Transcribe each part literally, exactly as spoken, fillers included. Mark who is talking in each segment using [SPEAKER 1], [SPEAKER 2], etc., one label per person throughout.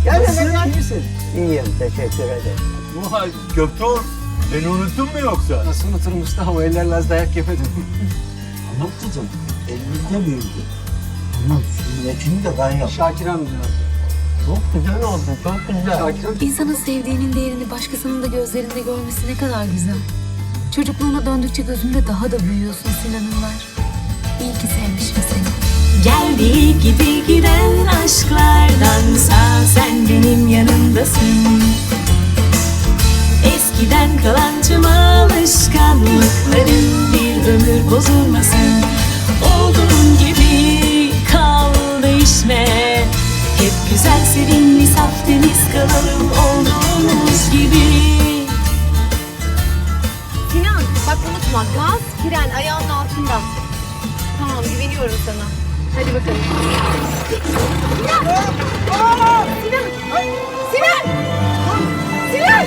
[SPEAKER 1] Gel
[SPEAKER 2] Nasılsın?
[SPEAKER 1] gel gel.
[SPEAKER 2] İyisin.
[SPEAKER 1] İyiyim, teşekkür ederim.
[SPEAKER 2] Vay Göktuğ, beni unuttun mu yoksa?
[SPEAKER 3] Nasıl unuturum usta? O ellerle az dayak yemedim.
[SPEAKER 1] Ama kızım, elimizde büyüdü. Bunun sünnetini de ben yaptım.
[SPEAKER 3] Şakir amca.
[SPEAKER 1] Çok güzel oldu, çok güzel.
[SPEAKER 3] Şakir amca.
[SPEAKER 4] İnsanın sevdiğinin değerini başkasının da gözlerinde görmesi ne kadar güzel. Çocukluğuna döndükçe gözünde daha da büyüyorsun Sinan'ınlar. İyi ki sevmişim seni.
[SPEAKER 5] Geldi gidi giden aşklardansa sen benim yanımdasın. Eskiden kalan tüm alışkanlıkların bir ömür bozulmasın. Olduğun gibi kal değişme. Hep güzel sevimli saf temiz kalalım olduğumuz gibi.
[SPEAKER 6] Sinan bak unutma gaz fren ayağının altında. Tamam güveniyorum sana. Hadi bakalım. Sinan! Aa! Sinan! Sinan! Sinan!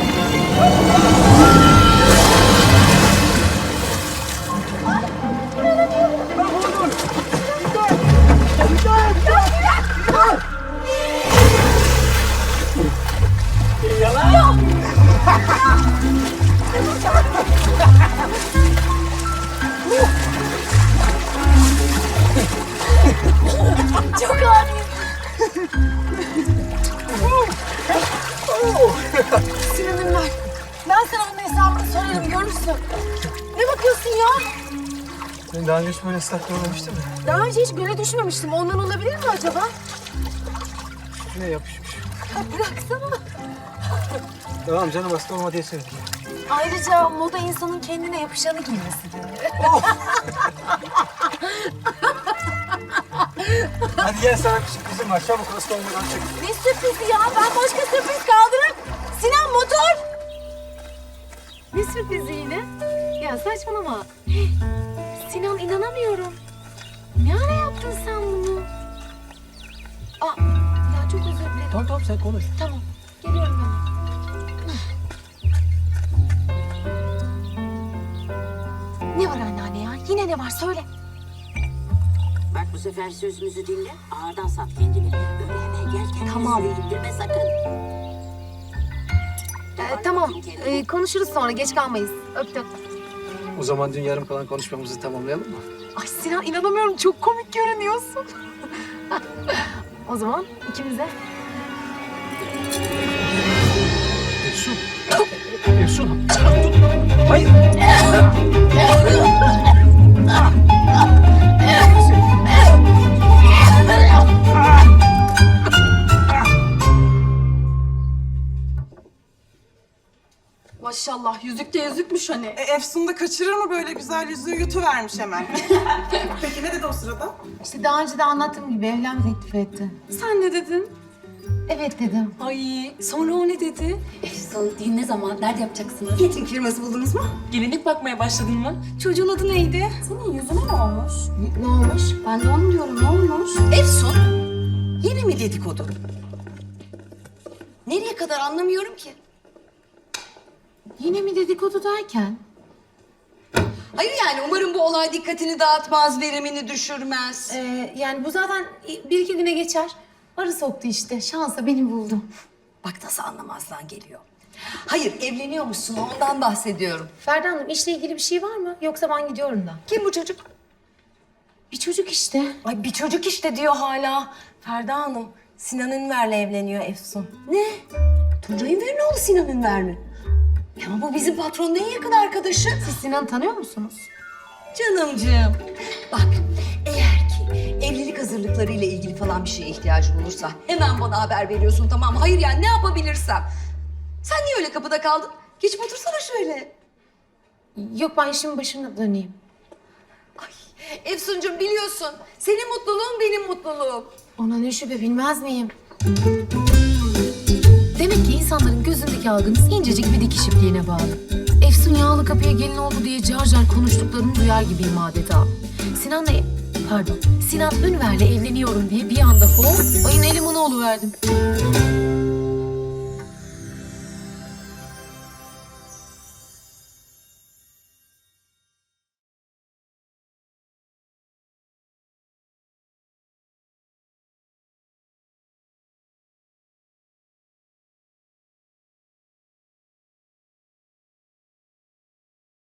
[SPEAKER 6] Çok ağır. Sinan'ım ver. Ben sana bunun hesabını sorarım görürsün. Ne bakıyorsun ya?
[SPEAKER 3] Ben daha önce hiç böyle ıslak görmemiştim mi?
[SPEAKER 6] Daha önce hiç göle düşmemiştim. Ondan olabilir mi acaba?
[SPEAKER 3] Yine yapışmış.
[SPEAKER 6] Ya bıraksana.
[SPEAKER 3] Tamam canım, hasta olma diye söyledim.
[SPEAKER 6] Ayrıca moda insanın kendine yapışanı giymesidir.
[SPEAKER 3] Hadi gel, sana bir sürprizim var. Çabuk, hasta olmadan çık.
[SPEAKER 6] Ne sürprizi ya? Ben başka sürpriz kaldırırım. Sinan motor. Ne sürprizi yine? Ya saçmalama. Sinan inanamıyorum. Ne ara yaptın sen bunu? Aa, ya çok özür dilerim.
[SPEAKER 3] Tamam tamam, sen konuş.
[SPEAKER 6] Tamam. Geliyorum hemen. Ne var anneanne ya? Yine ne var? Söyle.
[SPEAKER 7] Bak bu sefer sözümüzü dinle, ağırdan sat kendini. Öyle hemen gelken
[SPEAKER 6] Tamam.
[SPEAKER 7] yüzüğü indirme sakın.
[SPEAKER 6] Ee, tamam. Ee, konuşuruz sonra. Geç kalmayız. Öptüm.
[SPEAKER 3] O zaman dün yarım kalan konuşmamızı tamamlayalım mı?
[SPEAKER 6] Ay Sinan inanamıyorum. Çok komik görünüyorsun. O zaman ikimize.
[SPEAKER 3] Efsun. Efsun. Hayır.
[SPEAKER 6] Maşallah yüzük de yüzükmüş hani.
[SPEAKER 8] E, Efsun da kaçırır mı böyle güzel yüzüğü, yutuvermiş hemen. Peki ne dedi o sırada?
[SPEAKER 6] İşte daha önce de anlattığım gibi evlenme teklif etti.
[SPEAKER 8] Sen ne dedin?
[SPEAKER 6] Evet dedim.
[SPEAKER 8] Ay sonra o ne dedi?
[SPEAKER 5] Efsun düğün ne zaman? Nerede yapacaksınız?
[SPEAKER 8] Catering firması buldunuz mu?
[SPEAKER 5] Gelinlik bakmaya başladın mı?
[SPEAKER 8] Çocuğun adı neydi?
[SPEAKER 5] Senin yüzüne ne olmuş?
[SPEAKER 6] Ne olmuş?
[SPEAKER 5] Ben de onu diyorum, ne olmuş?
[SPEAKER 7] Efsun, yine mi dedikodu? Nereye kadar anlamıyorum ki.
[SPEAKER 6] Yine mi dedikodu derken?
[SPEAKER 7] Hayır yani umarım bu olay dikkatini dağıtmaz, verimini düşürmez.
[SPEAKER 6] Ee, yani bu zaten bir iki güne geçer. Arı soktu işte. Şansa beni buldum.
[SPEAKER 7] Bak nasıl anlamazdan geliyor. Hayır evleniyormuşsun, ondan bahsediyorum.
[SPEAKER 6] Ferda Hanım işle ilgili bir şey var mı? Yoksa ben gidiyorum da.
[SPEAKER 7] Kim bu çocuk?
[SPEAKER 6] Bir çocuk işte.
[SPEAKER 5] Ay bir çocuk işte diyor hala. Ferda Hanım, Sinan Ünver'le evleniyor Efsun.
[SPEAKER 7] Ne? Tuncay Ünver'in oğlu Sinan Ünver mi? Ya bu bizim patronun en yakın arkadaşı.
[SPEAKER 6] Siz Sinan'ı tanıyor musunuz?
[SPEAKER 7] Canımcığım. Bak eğer ki evlilik hazırlıklarıyla ilgili falan bir şeye ihtiyacın olursa hemen bana haber veriyorsun, tamam mı? Hayır yani ne yapabilirsem. Sen niye öyle kapıda kaldın? Geçip otursana şöyle.
[SPEAKER 6] Yok ben işimin başına döneyim.
[SPEAKER 7] Ay Efsuncuğum biliyorsun senin mutluluğun benim mutluluğum.
[SPEAKER 6] Ona ne şüphe bilmez miyim? Demek ki insanların gözündeki algınız incecik bir dikiş ipliğine bağlı. Efsun yağlı kapıya gelin oldu diye car car konuştuklarını duyar gibiyim adeta. Sinan'la... Pardon. Sinan Ünver'le evleniyorum diye bir anda hop ayın elimanı oluverdim.